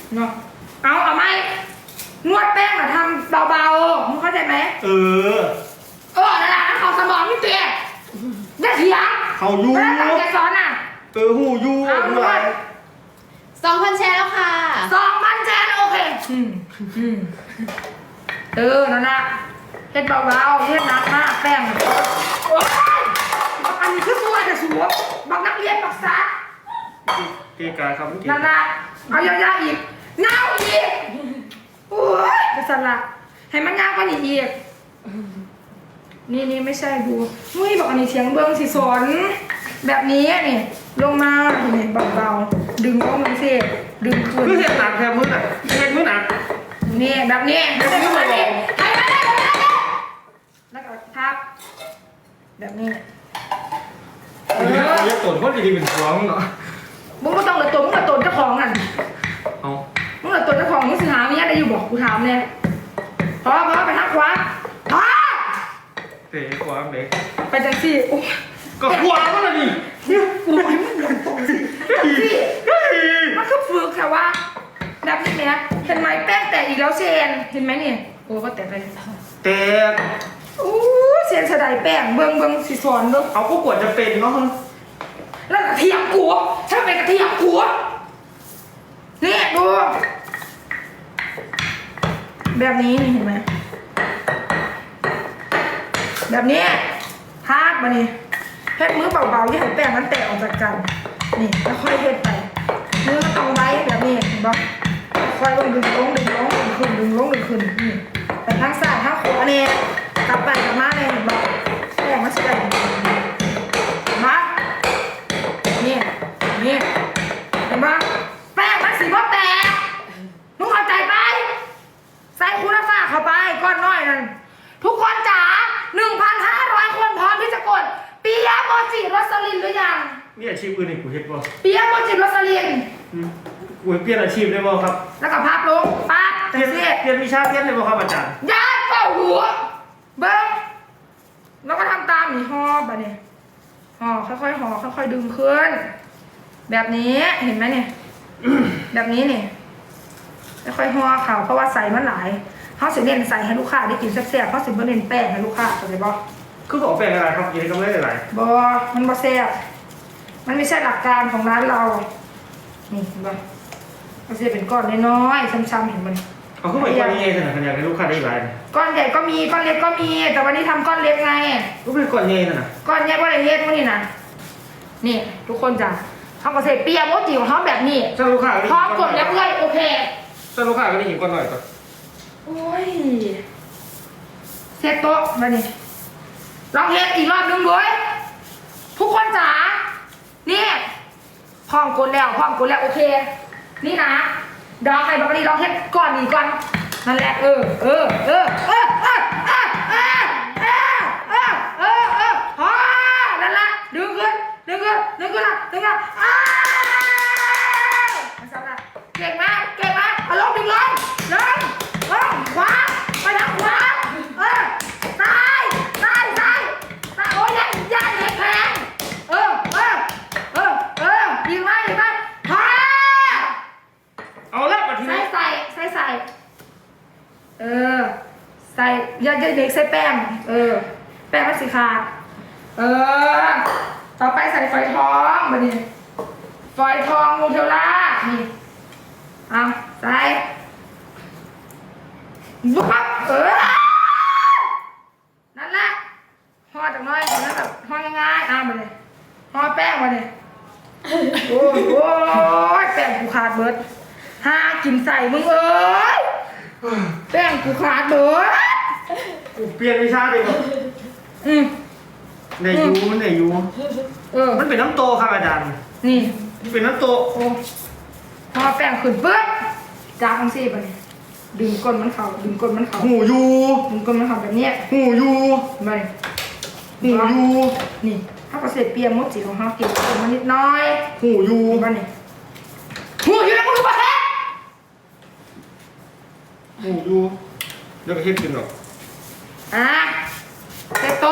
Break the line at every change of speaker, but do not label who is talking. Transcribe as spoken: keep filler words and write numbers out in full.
เนาะเอาเอาไหมนวดแป้งอะทำเบาๆมึงเข้าใจไหม
เออ
เออนั่นแหละเขาสมองพี่เตี้ยอย่าเถียง
เขายู
แล้วตั้งใจสอนอ่ะ
เออหูยู
เอาด้วย
สองพันแชร์แล้วค่ะ
สองพันแชร์โอเคอืมอืมเออนั่นนะเฮ็ดเบาๆเฮ็ดหนักมากแป้งโอ้ยอันนี้คือตัวแต่สวมบักนักเรียนบักษา
เกกาครับ
นั่นนะเอายาวๆอีกเงาอีกโอ้ยจะสลัดให้มันยาวกว่านี้อีกนี่นี่ไม่ใช่ดูมุ้ยบอกอันนี้เสียงเบิ้งสิสนแบบนี้นี่ลงมานี่เบาๆดึงลงมันสิดึงขึ้น
คือเห็ดหนักแทนมือหนักเห็ดมือหนัก
นี่แบบนี้แบบนี้แบบนี้ให้ได้ได้ได้แล้วก็ทับแบบนี้
เออเรียกตนเพราะดีๆเป็นฟ้องเนาะ
มึงก็ต้องเลยตัวมึงกับตัวเจ้าของอ่ะ
เอา
มึงกับตัวเจ้าของมึงสิหาเมียได้อยู่บอกกูถามเนี่ยพอพอไปทักขวาพอ
เตะขวาเด็ก
ไปจังสิ
ก็ขวาก็เลยดิ
กูไม่มันหลังตรงสิมันก็ฝึกค่ะว่าแบบนี้เนี่ยเห็นไหมแป้งแตกอีกแล้วเชนเห็นไหมนี่โอ้ก็แตกเลย
แตก
อู้เชนสะไดแป้งเบิ้งเบิ้งสิสอนเบิ้ง
เอาก็กวดจะเป็นเนาะ
แล้วกระเทียมกัวถ้าเป็นกระเทียมกัวนี่ดูแบบนี้นี่เห็นไหมแบบนี้ทาบมานี่เฮ็ดมือเบาๆอย่าให้แป้งมันแตกออกจากกันนี่แล้วค่อยเฮ็ดไปมือมันต้องไว้แบบนี้เห็นปะค่อยลงดึงลงดึงลงดึงขึ้นดึงลงดึงขึ้นนี่ไปทางซ้ายทางขวาเนี่ยกลับไปกลับมาเนี่ยเห็นปะแป้งมันจะได้มานี่นี่เห็นปะแป้งมันสีว่าแตกมึงเข้าใจไปใส่คุณฟ้าเข้าไปก้อนน้อยนั่นทุกคนจ๋า หนึ่งพันห้าร้อย คนพร้อมที่จะกดปิยะโมจิโรสลินหรือยัง
มีอาชีพอื่นอีกกูเห็นบ่
ปิยะโมจิโรสลิน
กูเปลี่ยนอาชีพได้บ่ครับ
แล้วก็พับลงปั๊บ
เปลี่ยนเปลี่ยนวิชาเปลี่ยนได้บ่ครับอาจารย์
ยัดเป่าหัวเบิ้งแล้วก็ทำตามนี่ห่อแบบนี้ห่อค่อยๆห่อค่อยๆดึงขึ้นแบบนี้เห็นไหมเนี่ยแบบนี้เนี่ยค่อยๆห่อเขาเพราะว่าใส่มันหลายเขาสิเน้นใส่ให้ลูกค้าได้กินแซ่บๆเขาสิบ่เน้นแป้งให้ลูกค้าเข้าใจบ่
คือบอกแป้งอะไรครับกินก็ไม่ได้หลาย
บ่มันบ่แซ่บมันไม่ใช่หลักการของร้านเรานี่เห็นบ่มันจะเป็นก้อนน้อยๆช้ำๆเห็นมัน
เอาขึ้นไปก้อนใหญ่ขนาดขนาดให้ลูกค้าได้หลาย
ก้อนใหญ่ก็มีก้อนเล็กก็มีแต่วันนี้ทำก้อนเล็กไง
ก็เป็นก้อนใหญ่น่ะ
ก้อนใหญ่ก็เลยเฮ็ดพวกนี้นะนี่ทุกคนจ้ะเขาก็ใส่เปียโมจิของเขาแบบนี้
ถ้าลูกค้า
พร้อมกดแล้วเลยโอเค
ถ้าลูกค้าก็ได้เห็นก้อนหน่อยก่อน
โอ้ยเซตโต๊ะมานี่ลองเฮ็ดอีกรอบนึงด้วยทุกคนจ๋านี่พร้อมกดแล้วพร้อมกดแล้วโอเคนี่นะดอกไข่บอกนี่ลองเฮ็ดก่อนอีกก่อนนั่นแหละเออเออเออเออเออเออเออเออเออเออเออพอนั่นแหละดึงขึ้นดึงขึ้นดึงขึ้นละดึงขึ้นอ้าวเก่งมากเก่งมากเอาลงดึงลงลงลงขวาไปทางขวาเออซ้ายซ้ายซ้ายซ้ายโอ้ยยันยันเห็ดแพงเออเออเออเออยิงไหมยิงไหมพอ
เอาละมาทีนี้
ใส่ใส่ใส่เออใส่ยัดยัดเด็กใส่แป้งเออแป้งมันสีขาดเออต่อไปใส่ฝอยทองมาดิฝอยทองโมเทลล่านี่เอาใส่วับเออนั่นแหละห่อจากน้อยนั่นแบบห่อง่ายๆเอามาเลยห่อแป้งมาเลยโอ้ยโอ้ยแป้งกูขาดเบิดห้ากินใส่มึงเอ้ยแป้งกูขาดเบิด
กูเปลี่ยนวิชาเลยมั้ง
อืม
ในยูในยู
เออ
มันเป็นน้ำโตครับอาจารย์
นี่
เป็นน้ำโต
โอ้พอแป้งขึ้นเบิดจ้าทั้งสี่ไปดึงก้นมันเข่าดึงก้นมันเข่า
หูยู
ดึงก้นมันเข่าแบบนี้
หูยู
ไป
หูยู
นี่ถ้าเกษตรเปียมดสีของเขาเก็บก้นมันนิดน้อย
หูยู
บ้านนี่หูยูแล้วมึงรู้ปะแท้
หูยูเดี๋ยวก็เฮ็ดกินหรอก
อ่ะ